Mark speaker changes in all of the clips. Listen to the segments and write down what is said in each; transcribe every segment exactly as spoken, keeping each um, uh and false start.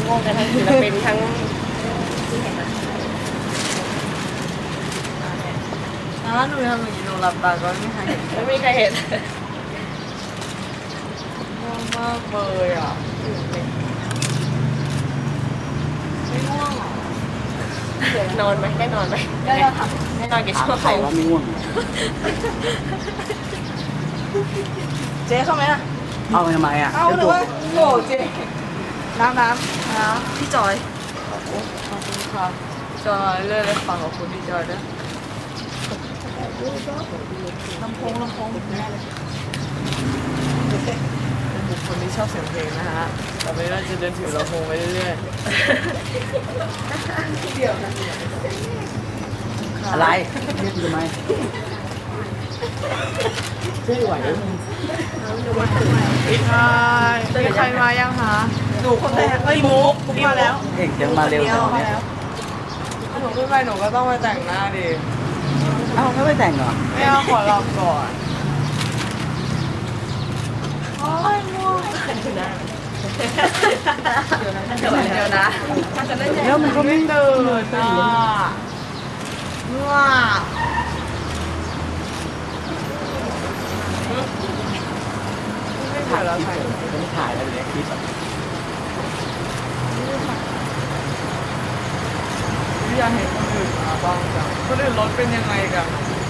Speaker 1: ง่วงกันทั้งศิลปินทั้งที่เห็นนะ
Speaker 2: อ่าหนูทำอย่างนี้หนูหลับตาก็ไม่มีใครเห็น
Speaker 1: ไม่มีใครเห็น
Speaker 2: ง่วงมากเลยอ่ะไม่ง่วงหรอน
Speaker 1: อนไหมได้นอนไหม
Speaker 2: ได้แล้วค่ะ
Speaker 1: ได้นอนกี่ชั่วโมง
Speaker 3: ใครว่าไม่ง่วง
Speaker 2: เจ๊เข้าไหมอ่ะ
Speaker 3: เอาไปทำไมอ่ะ
Speaker 2: เอาหรือว่าโง่เจ๊น้ำน้ำน้ำพี่จอยขอบคุณค่ะจอยเรื่อยๆฟังขอบคุณพี่จอยด้วยลำโพงลำโพงแน่เลยเป็นบุคคลที่ชอบเสียงเพลงนะฮะต่อไปเราจะเดินถือลำโพงไปเรื่อยๆเดี๋ยวนะ
Speaker 3: อะไรเรียกทำไมช่วยไหวไหม
Speaker 2: ใช่มีใครมายังคะหนูคนแรกเอ้ยมุกมุกมาแล้ว
Speaker 3: เอกยังมาเร็วขนาดนี้
Speaker 2: หนูขึ้นไปหนูก็ต้องมาแต่งหน้าดิ
Speaker 3: เอ้าไม่ไปแต่งเหรอ
Speaker 2: ไม่เอาขอลองก่อนโอ้ยม่วงเดี๋ยวนะเดี๋ยวนะเดี๋ยวนะ
Speaker 3: แล้วมันก็ไม่
Speaker 2: ไม่ตื่นอ่ะง่วงไม่ถ่ายแล้วถ่าย
Speaker 3: ไม่ถ่ายแล้วเดี๋ยวคลิป
Speaker 2: อยากเห็นคนอื่นมาบ้างจังคนอื่นรถเป็นยังไงกัน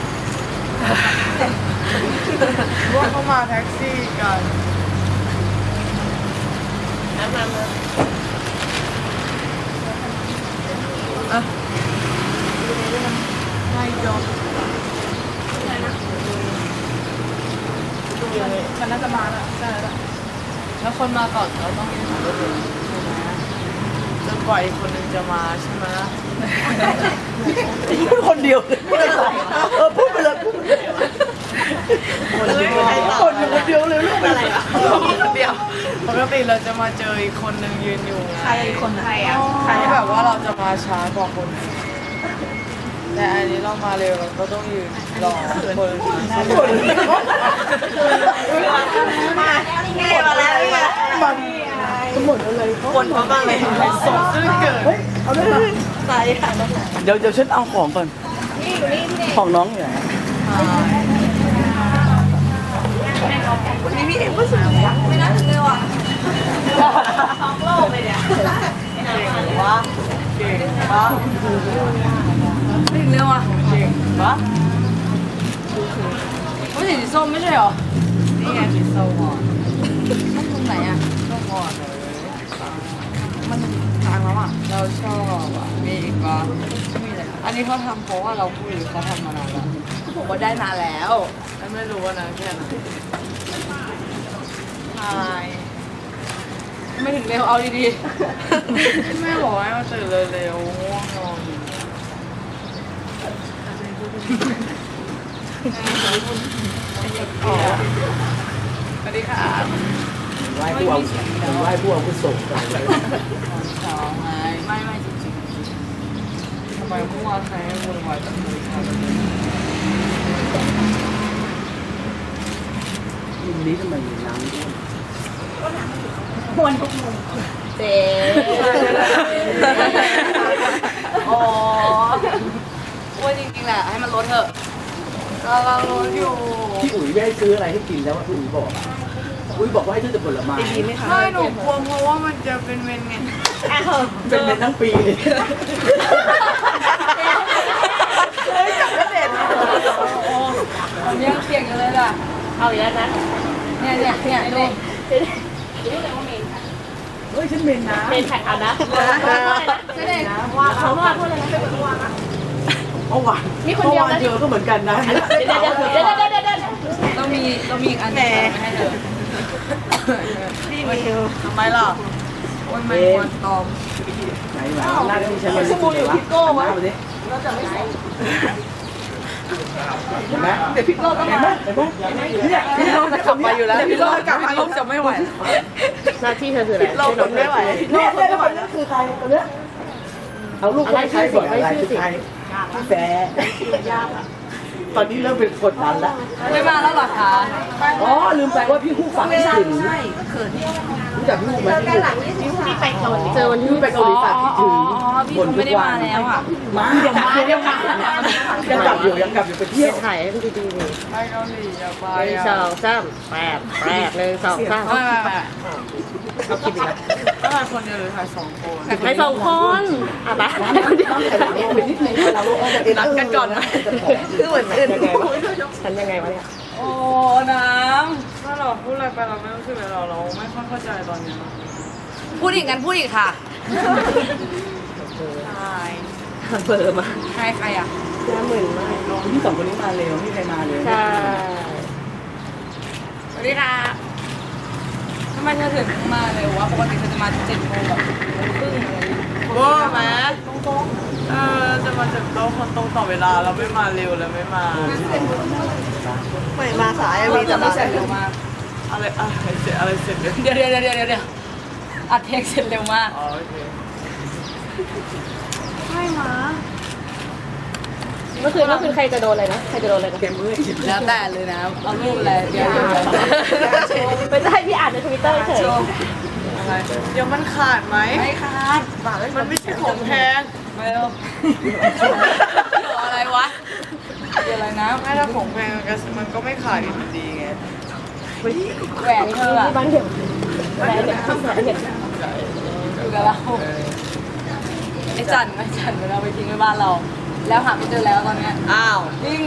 Speaker 2: ว่าเขามาแท็กซี่กัน
Speaker 1: น้ำมามา
Speaker 2: อ่ะไม่จบมันน่าจะมาแล้วใช่แล้วแล้วคนมาก่อนเราต้องยืนหารถเลยใช่ไหมจนกว่าอีกคนนึงจะมาใช่ไหม
Speaker 3: พูดคนเดียวพูดอะไรเออพูดไปเลยพูดคนเดียวคนคนเดียวเลยลูกอะไรอ่ะ
Speaker 2: เดียวปกติเราจะมาเจออีกคนนึงยืนอยู่ไง
Speaker 1: ใครอีกคนใครอ่ะ
Speaker 2: ใครแบบว่าเราจะมาช้ากว่าคนอื่นแต่อันนี้เรามาเร็วเราก็ต้องยืนรอคนมา
Speaker 1: มานี่ไงมาแล้วนี่ไง
Speaker 3: มันทั้งหมดอะไร
Speaker 2: คนเพราะบ้างเลยสดซื่อเกิน
Speaker 3: เฮ้ยเอาได้ไหม
Speaker 1: ใส่ค่ะ
Speaker 3: เดี๋ยวเดี๋ยวฉันเอาของก่อน
Speaker 1: นี่อยู่นี่พี่เด็ก
Speaker 3: ของน้องอยู่ไหน
Speaker 1: วันนี้พี่เอกก็สวยไม่น่าถึงเลยว่ะท้องโลกเลยเนี่ยว้า
Speaker 2: เก่งปะ
Speaker 1: ถึงเร็วอ่ะ
Speaker 2: เก่งปะ
Speaker 1: ไม่ใช่สีส้มไม่ใช่หรอ
Speaker 2: นี่ไงสีส้มอ่อน
Speaker 1: ส้มตรงไหนอ่ะ
Speaker 2: ส้มอ่อนเลย
Speaker 1: มันทางแล้วอ่ะ
Speaker 2: เราชอบอ่ะมีอีกปะมีอะไรอันนี้เขาทำเพราะว่าเราพูดหรือเขาทำมานานแล้ว
Speaker 1: ผมว่าได้มาแล้ว
Speaker 2: ไม่รู้ว่านานแค่ไหน
Speaker 1: ทายไม่ถึงเร็วเอาดี
Speaker 2: แม่บอกให้มาตื่นเร็วๆง่วงนอนอ๋อสวัสดีค่ะ
Speaker 3: ไหว้ผู้เอาไหว้ผู้เอาผู้ส่งไป
Speaker 2: ตอนเช้าไงไม่ไม่จริงๆทำไมเมื่อวานใครให้วุ่นวายจังเลยครับ
Speaker 3: รุ่นนี้ทำไมมีน้ำด้วย
Speaker 1: ๆควรทุกมุมเจ๊อ๋อว่าจริงๆแหละให้มันลดเถอะ
Speaker 2: กำลังรถอยู่
Speaker 3: พี่อุ๋ยไม่ให้ซื้ออะไรให้กินแล้วว่าพี่อุ๋ยบอกอะอุ๋ยบอกว่าให้ซื้อแต่ผลไม้
Speaker 2: ไม่หนูกลัวเพราะว่ามันจะเป็นเมนไง
Speaker 3: เป็นเป็นทั้งปีเลย
Speaker 1: ผมยังเสี่ยงอยู่เลยล่ะเอาอีกแล้วนะเนี่ยเนี่ยเนี่ยดู
Speaker 3: เฮ้ยฉันเมนนะ
Speaker 1: เป็นแท็กเอานะไม่ได้ว่าเขาว่าพูดอะไรนะเป็นคนว่านะ
Speaker 3: เมื่อวาน
Speaker 1: มีคนเดียวนะ
Speaker 3: เมื่อวานเจอก็เหมือนกันนะ
Speaker 1: เดี๋ยวเดี๋ยวเดี๋ยวเดี๋ยวเดี๋ยวเดี๋ยว
Speaker 2: ต้องมีต้องมีอีกอันหนึงให้เธอ
Speaker 1: พี่มาดู
Speaker 2: ทำไมล่ะวันไม่ควรตอม
Speaker 3: ไหนไหนหน้าที่ฉันมันสมุนอยู่ที่โก้วะเราจะไม่ใส่เห็นไหมเดี๋ยวพี่โก้ต้องมาเห็นไหมเนี่ย
Speaker 2: พี่โลจะกลับมาอยู่แล้วพี่โลกลับมาลบจะไม่ไหว
Speaker 1: หน้าที่เธอคืออะไร
Speaker 2: เราทนไม่ไหว
Speaker 3: เนี่ยเนี่ยแล้วคนนี้คือใครตัวเนี้ยเอาลูกไปใช้ก่อนอะไรคือใครพี่แฟร์ตอนนี้เริ่มเป็นคนดันแล้ว
Speaker 2: ไม่มาแล้วเหรอคะ
Speaker 3: อ๋อลืมไปว่าพี่คู่ฝากคิดถึงรู้จักพี่คู่ไหมพี่คู่
Speaker 1: ที่ไปเกาหลี
Speaker 3: เจอวันที่ไปเกาหลีฝากคิดถึง
Speaker 2: อ๋อพี่เขาไม่ได้มาแล้วอ่ะ
Speaker 3: มาเดี๋ยวมาเดี๋ยวมายังกลับอยู่ยังกลับอยู่ไปเที่ยว
Speaker 4: ถ่ายให้มันดีๆเลย
Speaker 2: ไปเกาหลีอยากไป
Speaker 4: หนึ่งสองสามแปดแปดหนึ่งสองสาม
Speaker 2: ไม่ไม่ไม่
Speaker 4: เอาคลิปอีกแล้ว
Speaker 2: ถ่ายคนเดียวหรือถ่ายสองคน
Speaker 4: ถ่ายสองคนอ่ะไปถ่ายคนเดียว
Speaker 3: ไปนิดนึงเรานัดกันก่อนนะคือเหมือนอื่น
Speaker 4: ยังไงวะฉันยังไงวะเนี่ย
Speaker 2: โอ้น้ำถ้าเราพูดอะไรไปเราไม่รู้สึกเลยเราเราไม่ค่อยเข้าใจตอนนี้พูดอีกกันพูดอีกค่ะใช่
Speaker 4: เบอร์มา
Speaker 2: ใครใครอ่ะ
Speaker 4: ห้าหมื่นมาก
Speaker 3: น้องที่สองคนนี้มาเร็วพี่ใครมาเร็ว
Speaker 4: ใช่
Speaker 2: สวัสดีค่ะทำไมเธอถึงมาเร็ววะปกติเธอจะมาเจ็ดโมงแบบครึ่งอะไรอย่างเงี้ยว้าแม่เออจะมาจากโต๊ะคนตรงต่อเวลาเราไม่มาเร็วแล้วไม่มา
Speaker 3: ไม่มาสายมีแต่มา
Speaker 2: เสร็จเร็วมากอะไรอะไรเสร็จอะไรเสร็จเดี๋ยวเดี๋ยวเดี๋ยวเดี๋ยวเดี๋ยวเดี๋ยวอัดเทคเสร็จเร็วมากอ๋อโอเคไม่มา
Speaker 4: เมื่อคืนเมื่อคืนใครจะโดนอะไรนะใครจะโดนอะไรนะ
Speaker 3: เกมมือ
Speaker 2: แล้วแต่เลยนะเอารูปอะไรเดี๋ยว
Speaker 4: ไม่ใช่พี่อ่านในทวิตเตอร์เฉย
Speaker 2: อะไรเดี๋ยวมันขาดไหมไม่ขาดมันไม่ใช่ของแพงไม่หรอกอะไรวะเดี๋ยวอะไรนะไม่ถ้าของแพงมันก็ไม่ขาดอยู่ดีไงแหวนเธออะ
Speaker 4: ที่บ้านเดี่ยวแหวนเนี่ยแหวนเนี่ย
Speaker 2: อยู่กับเราไอ้จันไอ้จันมันเอาไปทิ้งไว้บ้านเรา แล้วหาไม่เจอแล้วตอนเนี้ยอ้าวจริง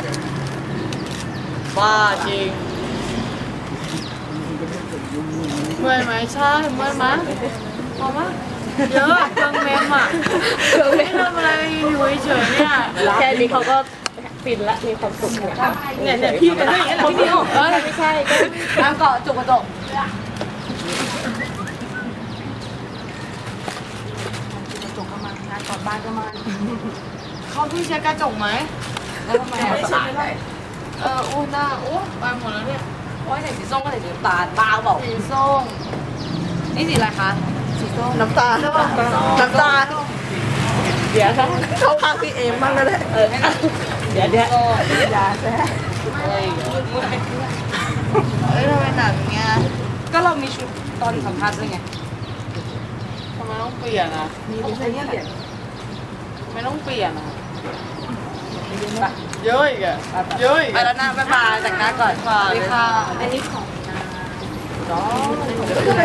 Speaker 2: บ้าจริงเมื่อยไหมใช่เมื่อยไหมพอมะเยอะเครื่องเมมอ่ะไม่ทำอะไรอยู่เฉยๆเนี่ย
Speaker 4: แค่นี้เขาก็ฟินละมีความสุขเนี่ย
Speaker 2: เนี่ยเนี่ยพี่เป็นอย่างนี้แหละพี่นิวเออ
Speaker 4: ไม่ใช่ก็
Speaker 2: น้ำเกาะจุกกระจกกระจกก็มางานก่อนบ้านก็มาเขาเพิ่งเช็ดกระจกไหมแล้วทำไมอ่ะเอออู้หน้าอู้ไปหมดแล้วเนี่ยโอ้ยใส่สีส้มก็ใส่สีน้ำตาลบ้าเปล่าสีส้มนี่สีอะไรคะสีส้ม
Speaker 3: น้ำตาน้ำตา
Speaker 4: เดี๋ยวค่ะ
Speaker 3: เข้าข้างพี่เอมบ้างก็ได้
Speaker 4: เออเดี๋ยวเดี๋ยว
Speaker 3: อย่าแซ่
Speaker 2: เอ้ยเมื่อย
Speaker 3: เอ้ยทำไมหนักเงี้ย
Speaker 2: ก็เรามีชุดตอนสัมภาษณ์ด้วยไง
Speaker 5: ทำไมต้องเปลี่ยนอ่ะ
Speaker 3: มีไม่ใช่เนี่ย
Speaker 5: ไม่ต้องเปลี่ยนอ่ะ
Speaker 2: ไป
Speaker 5: เยอะอีกอ่ะเยอะอีก
Speaker 2: ไปแล้วนะบ๊ายบายแต่งหน้าก่อนสวัสดีค่ะ
Speaker 4: อันนี้ของ
Speaker 2: น้อง